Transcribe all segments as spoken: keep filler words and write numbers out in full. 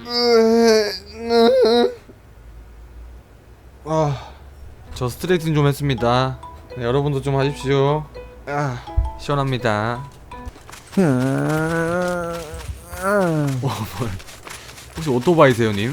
아, 저 스트레칭 좀 했습니다. 네, 여러분도 좀 하십시오. 아, 시원합니다. 어, 뭐야. 혹시 오토바이세요, 님?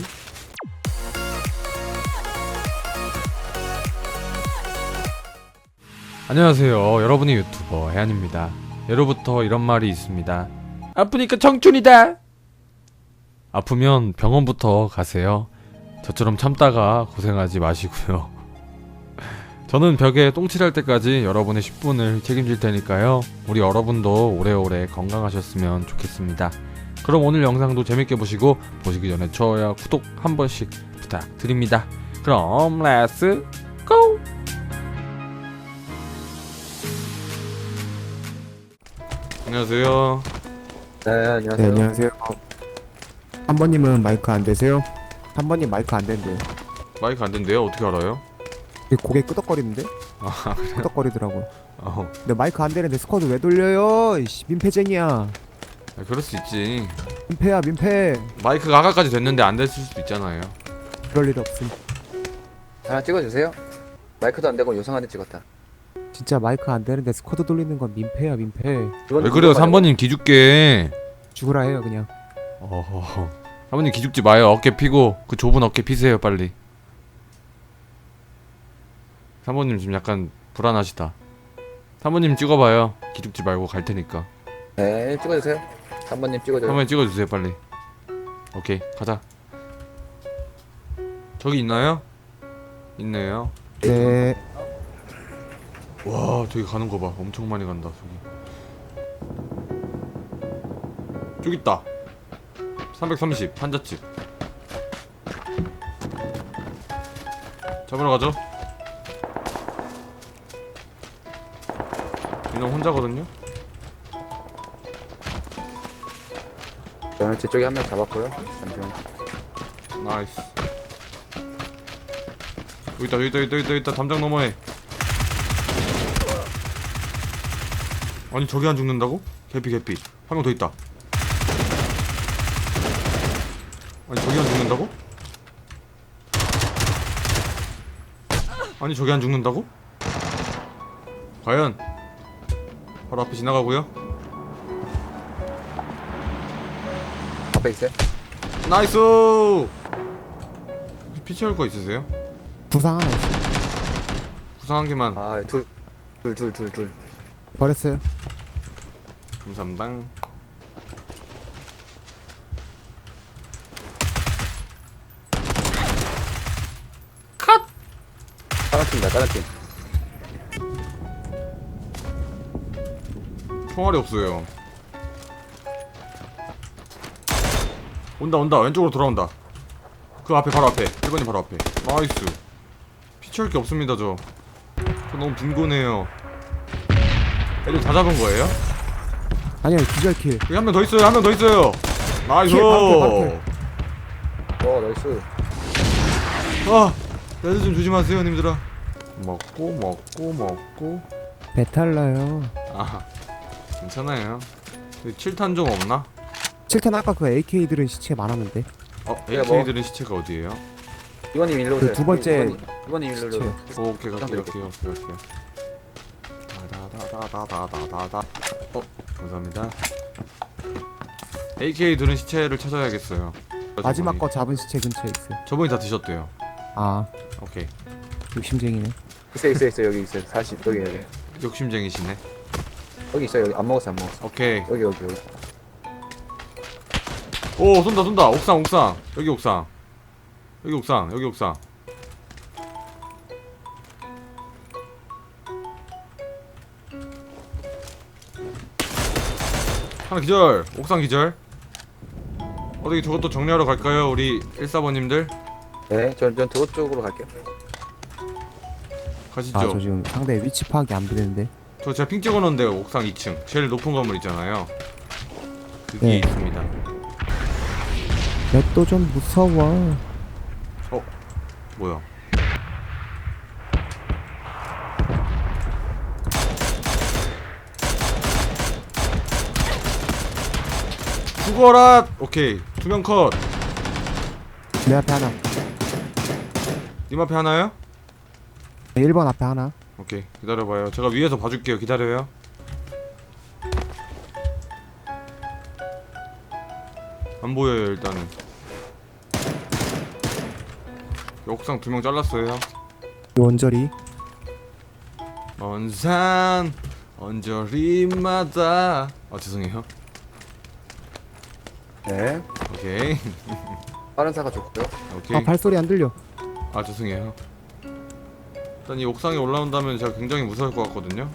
안녕하세요. 여러분의 유튜버 해안입니다. 예로부터 이런 말이 있습니다. 아프니까 청춘이다. 아프면 병원부터 가세요. 저처럼 참다가 고생하지 마시고요. 저는 벽에 똥칠할 때까지 여러분의 십 분을 책임질 테니까요. 우리 여러분도 오래오래 건강하셨으면 좋겠습니다. 그럼 오늘 영상도 재밌게 보시고 보시기 전에 좋아요, 구독 한 번씩 부탁드립니다. 그럼 렛츠 고! 안녕하세요. 네, 안녕하세요. 네, 안녕하세요. 한 번님은 마이크 안 되세요? 한 번님 마이크 안 된대요. 마이크 안 된대요? 어떻게 알아요? 고개 끄덕거리는데? 아, 끄덕거리더라고요. 어, 근데 마이크 안 되는데 스쿼드 왜 돌려요? 이씨, 민폐쟁이야. 아, 그럴 수 있지. 민폐야, 민폐. 마이크가 아까까지 됐는데 안 됐을 수도 있잖아요. 그럴 일 없음. 하나 찍어주세요. 마이크도 안 되고 요상한데 찍었다. 진짜 마이크 안 되는데 스쿼드 돌리는 건 민폐야, 민폐. 왜 그래요? 삼 번님 기죽게. 죽으라 해요, 그냥. 어허. 삼 번님 기죽지 마요. 어깨 피고 그 좁은 어깨 피세요, 빨리. 삼 번님 지금 약간 불안하시다. 삼 번님 찍어봐요. 기죽지 말고 갈 테니까. 네, 찍어주세요. 삼 번님 찍어줘요. 삼 번님 찍어주세요, 빨리. 오케이, 가자. 저기 있나요? 있네요. 네. 와, 저기 가는 거 봐. 엄청 많이 간다, 저기. 저기 있다. 삼백삼십, 한자집. 잡으러 가죠. 이놈 혼자거든요? 저는 제 쪽에 한 명 잡았고요. 잠시만. 나이스. 여기 있다, 여기 있다, 여기 있다, 여기 있다. 담장 너머에. 아니, 저기 안 죽는다고? 개피, 개피. 한 명 더 있다. 아니, 저기 안 죽는다고? 아니, 저기 안 죽는다고? 과연? 바로 앞에 지나가고요. 앞에 있어요. 나이스! 피 채울 거 있으세요? 부상 하나 있어. 구상 한 개만. 아, 둘, 둘, 둘, 둘, 둘. 버렸어요. 감사합니다. 다른 팀이다, 다른 팀. 총알이 없어요. 온다 온다 왼쪽으로 돌아온다. 그 앞에 바로 앞에 일 번님 바로 앞에. 나이스. 피치할 게 없습니다. 저 저 너무 빈곤해요. 애들 다 잡은 거예요? 아니야, 기절킬. 여기 한 명 더 있어요. 한 명 더 있어요. 나이스. 킬, 바로 어, 나이스. 아, 애들 좀 조심하세요, 님들아. 먹고 먹고 먹고. 배탈 나요. 아, 괜찮아요. 칠 탄 좀 없나? 칠 탄 아까 그 에이케이들은 시체 많았는데. 어, 그래, 뭐. 에이케이들은 시체가 어디에요? 이번님 일로 오세요. 그 두 번째 이번님 일로 오세요. 오, 오케이, 갈게요, 갈게요, 갈게요, 갈게요. 다다다다다다다다. 어, 감사합니다. 에이케이 들은 시체를 찾아야겠어요. 마지막 저분이. 거 잡은 시체 근처에 있어요. 저분이 다 드셨대요. 아, 오케이. 욕심쟁이네. 있어요, 있어요, 있어요. 여기 있어요. 사십, 여기, 여기. 욕심쟁이시네. 여기 있어요, 여기. 안 먹었어, 안 먹었어. 오케이. 여기, 여기, 여기. 오, 쏜다, 쏜다. 옥상, 옥상. 여기 옥상. 여기 옥상, 여기 옥상. 하나 기절. 옥상 기절. 어떻게 저것도 정리하러 갈까요, 우리 일사 번님들? 네, 전, 전 도로 쪽으로 갈게요. 가시죠. 아, 저 지금 상대 위치 파악이 안 되는데. 저 제가 핑 찍어놓은데 옥상 이 층 제일 높은 건물 있잖아요. 그게 네. 있습니다. 맵도 좀 무서워. 어? 뭐야? 죽어라! 오케이, 두 명 컷. 내 앞에 하나. 님 앞에 하나요? 일 번 앞에 하나. 오케이, 기다려봐요. 제가 위에서 봐줄게요. 기다려요. 안 보여요 일단은. 옥상 두 명 잘랐어요. 이 원저리. 먼 산 언저리마다. 아 죄송해요. 네. 오케이. 빠른 사가 좋고요. 오케이. 아 발소리 안 들려. 아 죄송해요. 일단 이 옥상에 올라온다면 제가 굉장히 무서울 것 같거든요.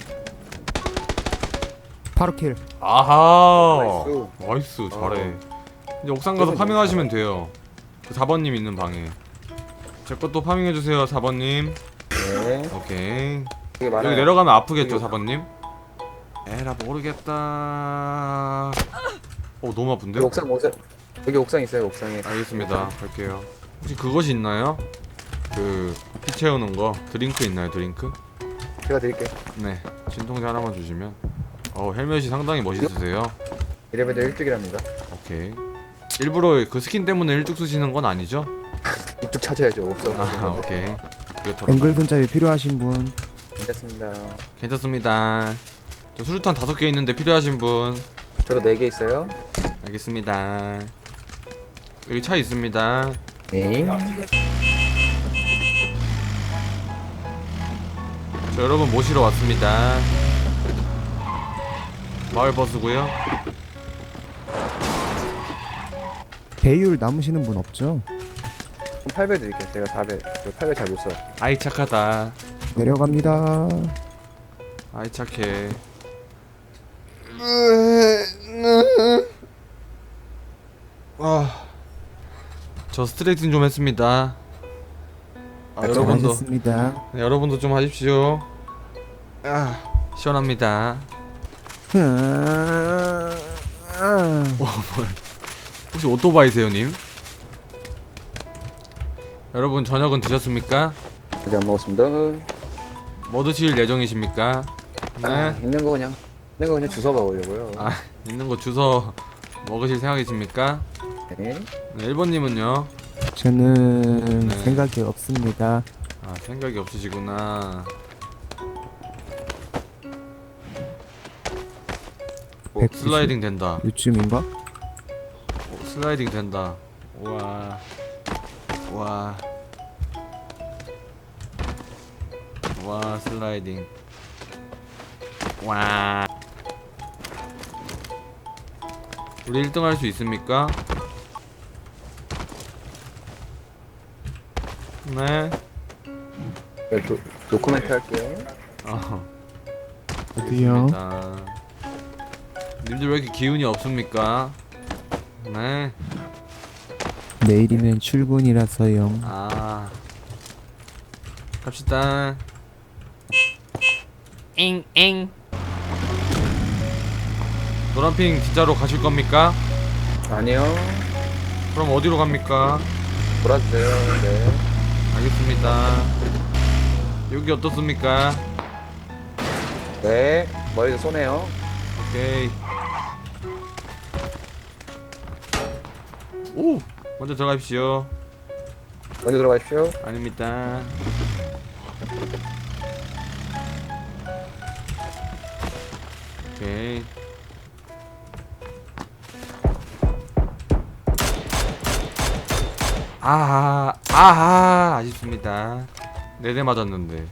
바로 킬. 아하. 나이스. 나이스 잘해. 어. 이제 옥상 가서 그러면 파밍하시면 돼요. 그 사 번님 있는 방에. 제 것도 파밍해주세요 사 번님. 네. 오케이. 되게 많아요. 여기 내려가면 아프겠죠 여기 사 번님? 에라 모르겠다. 어 너무 아픈데? 여기 옥상 옥상 여기 옥상 있어요. 옥상에. 알겠습니다. 갈게요. 혹시 그것이 있나요? 그 피 채우는 거 드링크 있나요 드링크? 제가 드릴게요. 네 진통제 하나만 주시면. 어 헬멧이 상당히 멋있으세요. 이래봬도 일찍이랍니다. 오케이. 일부러 그 스킨 때문에 일찍 쓰시는 건 아니죠? 이쪽 찾아야죠. 옥상. 아 오케이. 그렇더라고요. 앵글 손잡이 필요하신 분. 괜찮습니다. 괜찮습니다. 저 수류탄 다섯 개 있는데 필요하신 분. 저도 네 개 있어요. 알겠습니다. 여기 차 있습니다. 네. 저 여러분 모시러 왔습니다. 마을 버스고요. 배율 남으시는 분 없죠? 그럼 팔 배 드릴게요. 제가 사 배. 저 팔 배 잘 못 써. 아이 착하다. 내려갑니다. 아이 착해. 아, 저 스트레칭 좀 했습니다. 아, 여러분도 잘하셨습니다. 네, 여러분도 좀 하십시오. 아, 시원합니다. 아, 아. 혹시 오토바이세요, 님? 여러분 저녁은 드셨습니까? 아직 안 먹었습니다. 뭐 드실 예정이십니까? 네. 아, 있는 거 그냥 있는 거 그냥 주워 먹으려고요. 아, 있는 거 주워 먹으실 생각이십니까? 네. 네, 일 번님은요? 저는 네. 생각이 없습니다. 아, 생각이 없으시구나. 오, 백구십? 슬라이딩 된다. 요즘인가? 오, 슬라이딩 된다. 우와. 와. 와, 슬라이딩. 와. 우리 일 등 할 수 있습니까? 네. 네, 도, 노코멘트 할게요. 어. 어디요? 알겠습니다. 님들 왜 이렇게 기운이 없습니까? 네. 내일이면 출근이라서요. 아. 갑시다. 잉잉. 노란핑 진짜로 가실 겁니까? 아니요. 그럼 어디로 갑니까? 몰아주세요. 네. 알겠습니다. 여기 어떻습니까? 네. 머리도 쏘네요. 오케이. 오! 먼저 들어가십시오. 먼저 들어가십시오. 아닙니다. 오케이. 아하, 아하, 아쉽습니다. 네 대 맞았는데.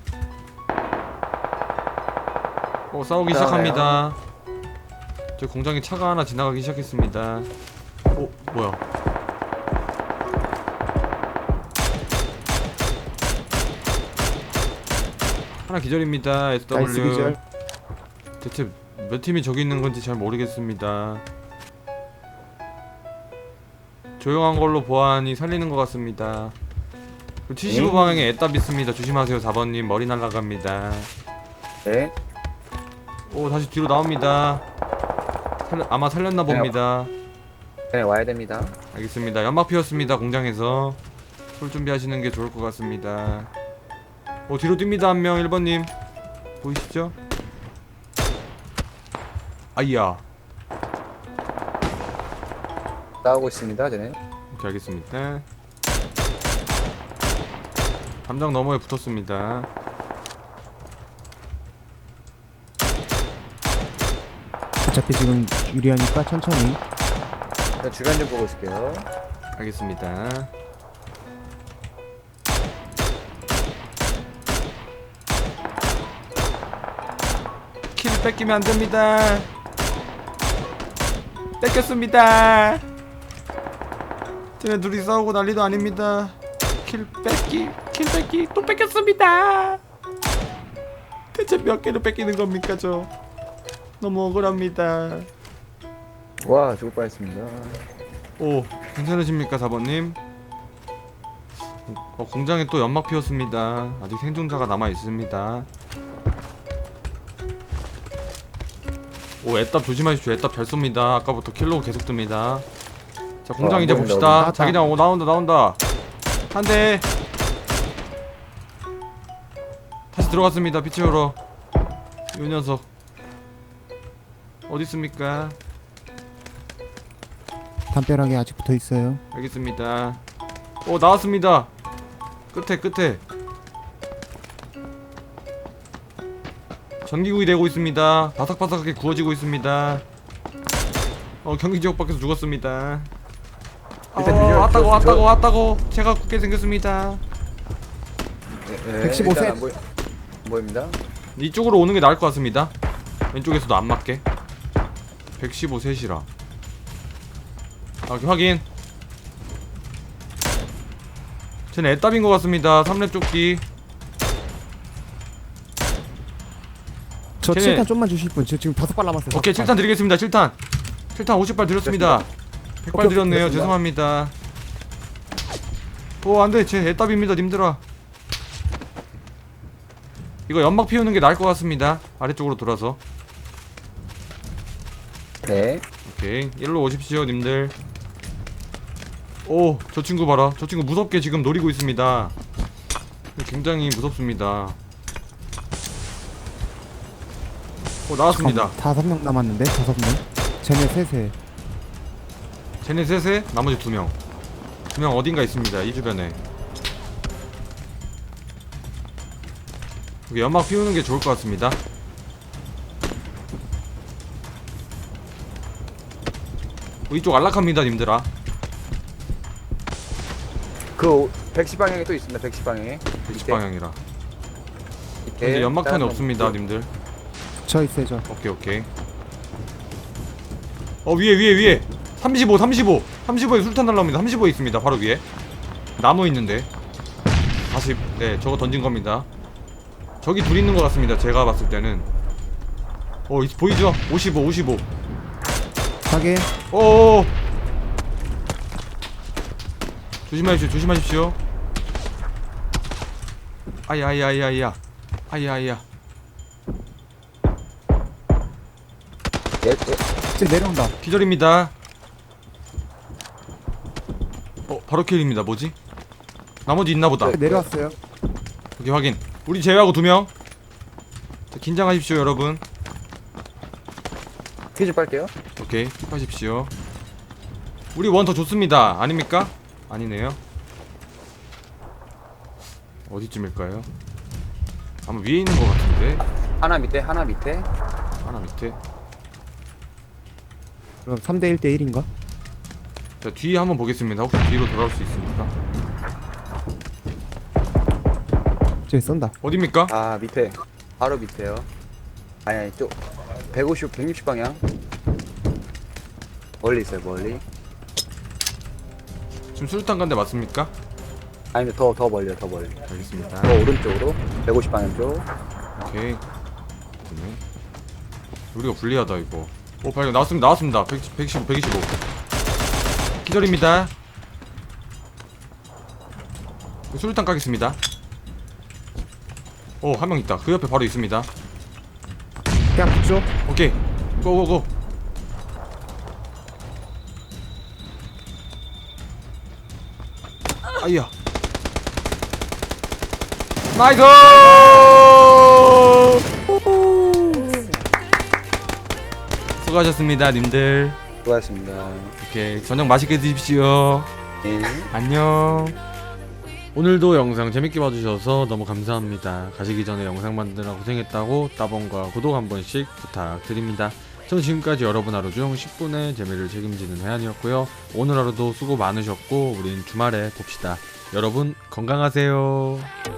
어, 싸우기 시작합니다. 저 공장에 차가 하나 지나가기 시작했습니다. 어, 뭐야? 하나 기절입니다. 나이스 에스더블유. 기절. 대체 몇 팀이 저기 있는 건지 잘 모르겠습니다. 조용한 걸로 보아하니 살리는 것 같습니다. 칠십오 음. 방향에 애답 있습니다. 조심하세요. 사 번님 머리 날아갑니다. 네. 오 다시 뒤로 나옵니다. 살려, 아마 살렸나 봅니다. 네, 와야 됩니다. 알겠습니다. 연막 피웠습니다. 공장에서 술 준비하시는 게 좋을 것 같습니다. 오 뒤로 뜁니다. 한 명 일 번님 보이시죠? 아이야. 싸우고 있습니다. 쟤네. 오케이 알겠습니다. 담장 너머에 붙었습니다. 어차피 지금 유리하니까 천천히. 저 주변 좀 보고 있을게요. 알겠습니다. 킬 뺏기면 안 됩니다. 뺏겼습니다. 쟤네 둘이 싸우고 난리도 아닙니다. 킬 뺏기, 킬 뺏기, 또 뺏겼습니다. 대체 몇 개를 뺏기는 겁니까, 저? 너무 억울합니다. 와, 죽을 뻔했습니다. 오, 괜찮으십니까, 사 번님? 어, 공장에 또 연막 피웠습니다. 아직 생존자가 남아 있습니다. 오, 애답 조심하십시오. 애답 잘 쏩니다. 아까부터 킬로 계속 뜹니다. 자, 공장 어, 이제 안 보인다, 봅시다. 나왔다. 자기장 오 나온다, 나온다. 한 대. 다시 들어갔습니다. 빛 채우러. 이 녀석 어디 있습니까? 담벼락에 아직 붙어 있어요. 알겠습니다. 오, 나왔습니다. 끝에 끝에 전기구이 되고 있습니다. 바삭바삭하게 구워지고 있습니다. 어, 경기지역 밖에서 죽었습니다. 어, 일단 뒤져- 왔다고 저- 왔다고 저- 왔다고 제가 굳게 생겼습니다. 네, 네, 백십오 일단 셋. 안 보이, 안 보입니다. 이쪽으로 오는 게 나을 것 같습니다. 왼쪽에서도 안 맞게. 백십오 셋이라. 아, 확인. 쟤는 애답인 것 같습니다. 삼 렙 조끼. 저 쟤네- 칠 탄 좀만 주실 분. 저 지금 다섯 발 남았어요. 오케이, 칠 탄 드리겠습니다. 칠 탄. 칠 탄 오십 발 드렸습니다. 백 발 오케이, 드렸네요. 됐습니다. 죄송합니다. 오, 안돼. 제 애답입니다, 님들아. 이거 연막 피우는 게 나을 것 같습니다. 아래쪽으로 돌아서. 네. 오케이, 일로 오십시오, 님들. 오, 저 친구 봐라. 저 친구 무섭게 지금 노리고 있습니다. 굉장히 무섭습니다. 오, 나왔습니다. 잠깐만, 다섯 명 남았는데 다섯 명. 쟤네 셋에. 쟤네 셋에 나머지 두 명. 두 명 어딘가 있습니다. 이 주변에. 여기 연막 피우는 게 좋을 것 같습니다. 어, 이쪽 안락합니다, 님들아. 그 백십 방향에 또 있습니다. 백십 방향에. 백십 밑에, 방향이라. 밑에. 현재 연막탄이 다른 없습니다, 놈. 님들. 저 있어요 저. 오케이, 오케이. 어, 위에, 위에, 위에. 삼십오, 삼십오. 삼십오에 술탄 날라옵니다. 삼십오에 있습니다. 바로 위에. 나무 있는데. 사십. 네, 저거 던진 겁니다. 저기 둘 있는 것 같습니다. 제가 봤을 때는. 어, 이- 보이죠? 오십오, 오십오. 확인. 오. 조심하십시오. 조심하십시오. 아야, 아야, 아야, 아야. 아야, 아야. 예, 예. 쟤 내려온다. 기절입니다. 어, 바로 킬입니다. 뭐지? 나머지 있나 보다. 쟤 내려왔어요. 여기 확인. 우리 제외하고 두 명. 자, 긴장하십시오, 여러분. 퀴즈 빨게요. 오케이, 하십시오. 우리 원 더 좋습니다. 아닙니까? 아니네요. 어디쯤일까요? 아마 위에 있는 것 같은데. 하나 밑에, 하나 밑에. 하나 밑에. 그럼 삼 대 일 대 일인가? 자, 뒤에 한번 보겠습니다. 혹시 뒤로 돌아올 수 있습니까? 쟤 쏜다. 어딥니까? 아, 밑에. 바로 밑에요. 아니, 아니, 쪽. 백오십, 백육십 방향. 멀리 있어요, 멀리. 지금 수류탄 간데 맞습니까? 아니면 더, 더 멀리요, 더 멀리. 알겠습니다. 더 오른쪽으로. 백오십 방향 쪽. 오케이. 네. 우리가 불리하다 이거. 오, 발견. 나왔습니다. 나왔습니다. 백, 백십오, 백이십오. 기절입니다. 수류탄 까겠습니다. 오, 한 명 있다. 그 옆에 바로 있습니다. 그냥 붙죠. 오케이. 고고고. 아이야. 나이스! 수고하셨습니다, 님들. 수고하셨습니다. 오케이. 저녁 맛있게 드십시오. 네. 안녕. 오늘도 영상 재밌게 봐주셔서 너무 감사합니다. 가시기 전에 영상 만드느라 고생했다고 따봉과 구독 한 번씩 부탁드립니다. 전 지금까지 여러분 하루 중 십 분의 재미를 책임지는 해안이었고요. 오늘 하루도 수고 많으셨고 우린 주말에 봅시다. 여러분 건강하세요.